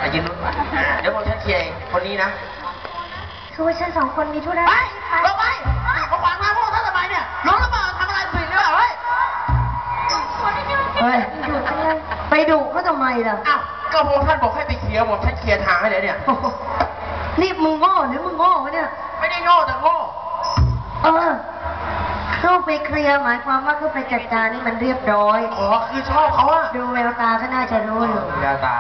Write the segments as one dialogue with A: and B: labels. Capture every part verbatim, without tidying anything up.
A: อายืนนู้นเดี๋ยวผมฉันเคลียร์เองคนนี้นะ
B: คือว่าฉันสองคนมีธุระ
A: ไปลงไปเขาขวางทางพวกท่านทำไมเนี่ยร้องหรือเปล่าทำอะไรผิดหรือเปล่าเฮ้ย
B: เฮ้ยดุจังเลยไปดุเขาทำไมล่ะ
A: อ้าวก็พวกท่านบอกให้ไปเคลียร์ผมฉันเคลียร์ทางให้เลยเนี่ย
B: นี่มึงโง่หรือมึงโง่วะเนี่ย
A: ไม่ได้โง่แต่โง่
B: เออเข้าไปเคลียร์หมายความว่าเข้าไปจัดการนี่มันเรียบร้อย
A: อ๋อคือชอบเขาอะ
B: ดูแววตาก็น่าจะรู้อยู่
A: แววตา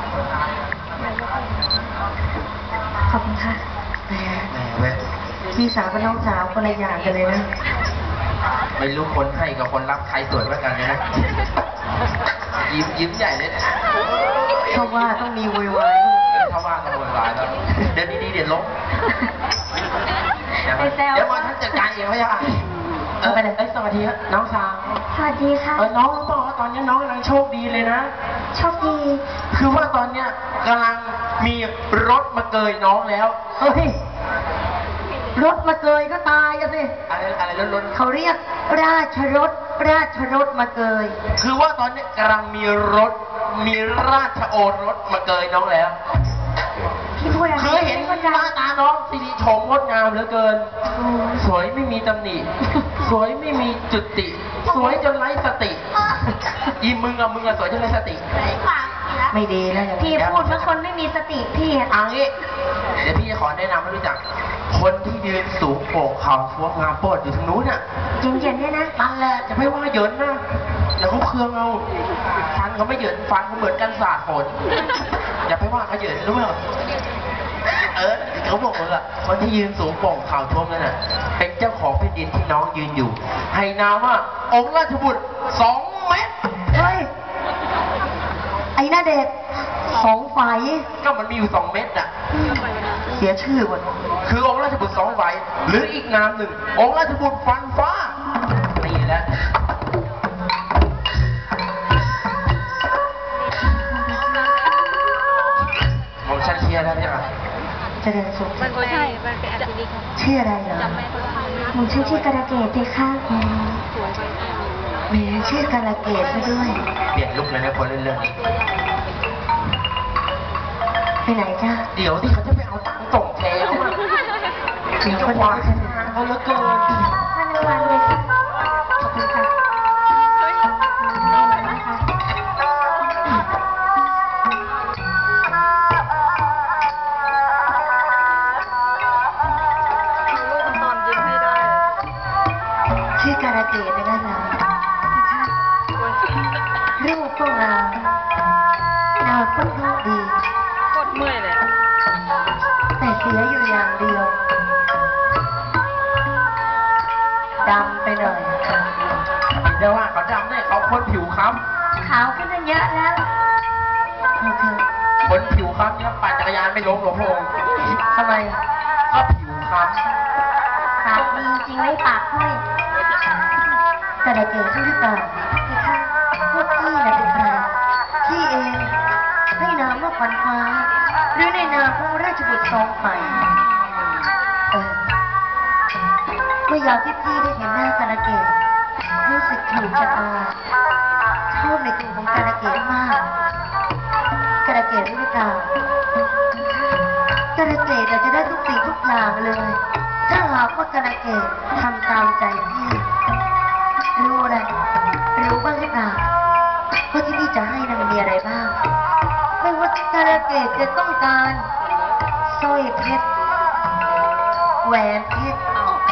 B: ขอบคุณค่ะ
A: แหมเว้ย
B: พี่สาวกับน้องสาวคนละอย่างกันเลยนะ
A: ไม่รู้คนให้กับคนรับใครสวยกว่ากันเลยนะยิ้มยิ้มใหญ่เลยนะ
B: เขาว่าต้องมีวยวาย
A: เขาว่าต้องวยวายแล้วเดี๋ยวดีๆเดี๋ยวล้มเดี๋ยวมอท่านจัดการเองไม่ใช่ค่ะเออไปเลยสวัสดีครับน้องสาว
B: สวัสดีค่ะ
A: เออน้องรู้ป่าวว่าตอนนี้น้องกำลังโชคดีเลยนะ
B: โชคดี
A: คือว่าตอนเนี้ยกำลังมีรถมาเกยน้องแล้ว
B: เฮ้ยรถมาเกยก็ตายอะสิ
A: อะไรอะไรรถรถ
B: เขาเรียกราชรถราชรถมาเกย
A: คือว่าตอนนี้กำลังมีรถมีราชโอรสมาเกยน้องแล้ว
B: พี่พูดอะไร
A: เคยเห็นหน้าตาน้องสีชมงดงามเหลือเกินสวยไม่มีตำหนิสวยไม่มีจุดติสวยจนไร้สติอีมึงอะมึงอะสวยจนไร้สติ
B: ไม่ดีแล้วพี่พูดว่าคนไม่มีสติพี่อ่ะ
A: อังนี้เดี๋ยวพี่จะขอแนะนำให้รู้จักคนที่ยืนสูงโปกเขาสวมงามโปดอยู่ทางนู้นน่ะ
B: เย็นๆเนี่ยนะ
A: นั่นแหละจะไม่ว่าเหยินนะแล้วเขาเครืองเอาฟันเขาไม่เหยินฟันเขาเหมือนกันสาดฝนอย่าไปว่าเขาเหยินรู้ไหมเออเขาบอกว่าคนที่ยืนสูงโป่งเข่าท่วมนั่นน่ะเป็นเจ้าของแผ่นดินที่น้องยืนอยู่ให้นามว่าองค์ราชบุตรสองเมตร
B: เฮ้ยไอ้หน้าเด็กสองฝ่าย
A: ก็มันมีอยู่สองเมตรอ่ะ
B: เสียชื่อหมด
A: คือองค์ราชบุตรสองฝ่ายหรืออีกนามหนึ่งองค์ราชบุตรฟันฟ้านี่แหละผมชันเชียร์แล้วใช่ไหม
B: จะเดินสุข
C: มันไม่ใช่มันเป็นอันนี้
B: ชื่ออะไรเหรอหนูชื่อชื่อกระเกดเลยค่ะมีชื่อกระเกดซะด้วย
A: เปลี่ยนลุกเลยนะคนเรื่องนี้
B: ไปไหนจ้า
A: เดี๋ยวที่เขาจะไปเอาตังค์ส่งแทนเขาถึงคนวางเขาเหลือเกิน
B: ท่านวันเลยขอบคุณค่ะชื่อการะเกดนะนะรูปก็งามนามก็รูปดี
C: โคตรเมื่อยเลย
B: แต่เสียอยู่อย่างเดียวดำไปหน่อย
A: เดี๋ยวว่าเขาดำเนี่ยเขาคนผิวค้
B: ำขาวขึ้นเยอะแล้ว
A: คนผิวค้ำเนี่ยปั่นจักรยานไม่ล้มหรอกพง
B: ทำไม
A: ก็ผิวค้
B: ำปากดีจริงไหมปากห้อยแต่ได้เกิดใช่หรือเปล่าพวกพี่น่ะเป็นใครพี่เองให้นามว่าขวัญฟ้าหรือในนามของราชบุตรสองฝ่ายเออเมื่อยามที่พี่ได้เห็นหน้าการะเกดรู้สึกถูกชะตาชอบในตัวของการะเกดมากการะเกดรู้หรือเปล่าการะเกดจะได้ทุกสิ่งทุกอย่างเลยถ้าหากว่าการะเกดทำตามใจพี่รู้อะไรรู้บ้างหรือเปล่าว่าที่พี่จะให้นั้นมีอะไรบ้างไม่ว่าการะเกดจะต้องการสร้อยเพชรแหวนเพชร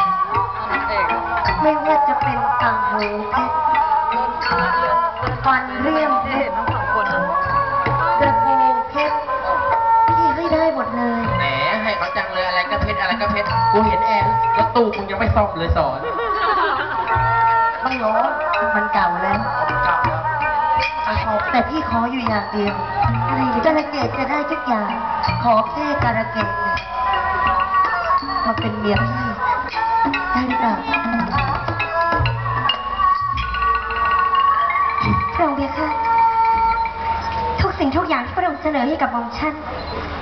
B: ไม่ว่าจะเป็นต่างหูเพชรฟันเรียมเพชรกระโปรงเพชรพี่ให้ได้หมดเลย
A: แหมให้เขาจังเลยอะไรก็เพชรอะไรก็เพชรกูเห็นแอร์รถตู้คุณยังไม่ซ่อมเลยสอน
B: ไม่ร้อนมันเก่าแล้ว
A: มันเก่าแล้ว
B: แต่พี่ขออยู่อย่างเดียวอะไรการะเกดจะได้ทุกอย่างขอแค่การะเกดมาเป็นเมียพี่ได้หรือเปล่าพระองค์เบียร์ค่ะทุกสิ่งทุกอย่างที่พระองค์เสนอให้กับหม่อมฉัน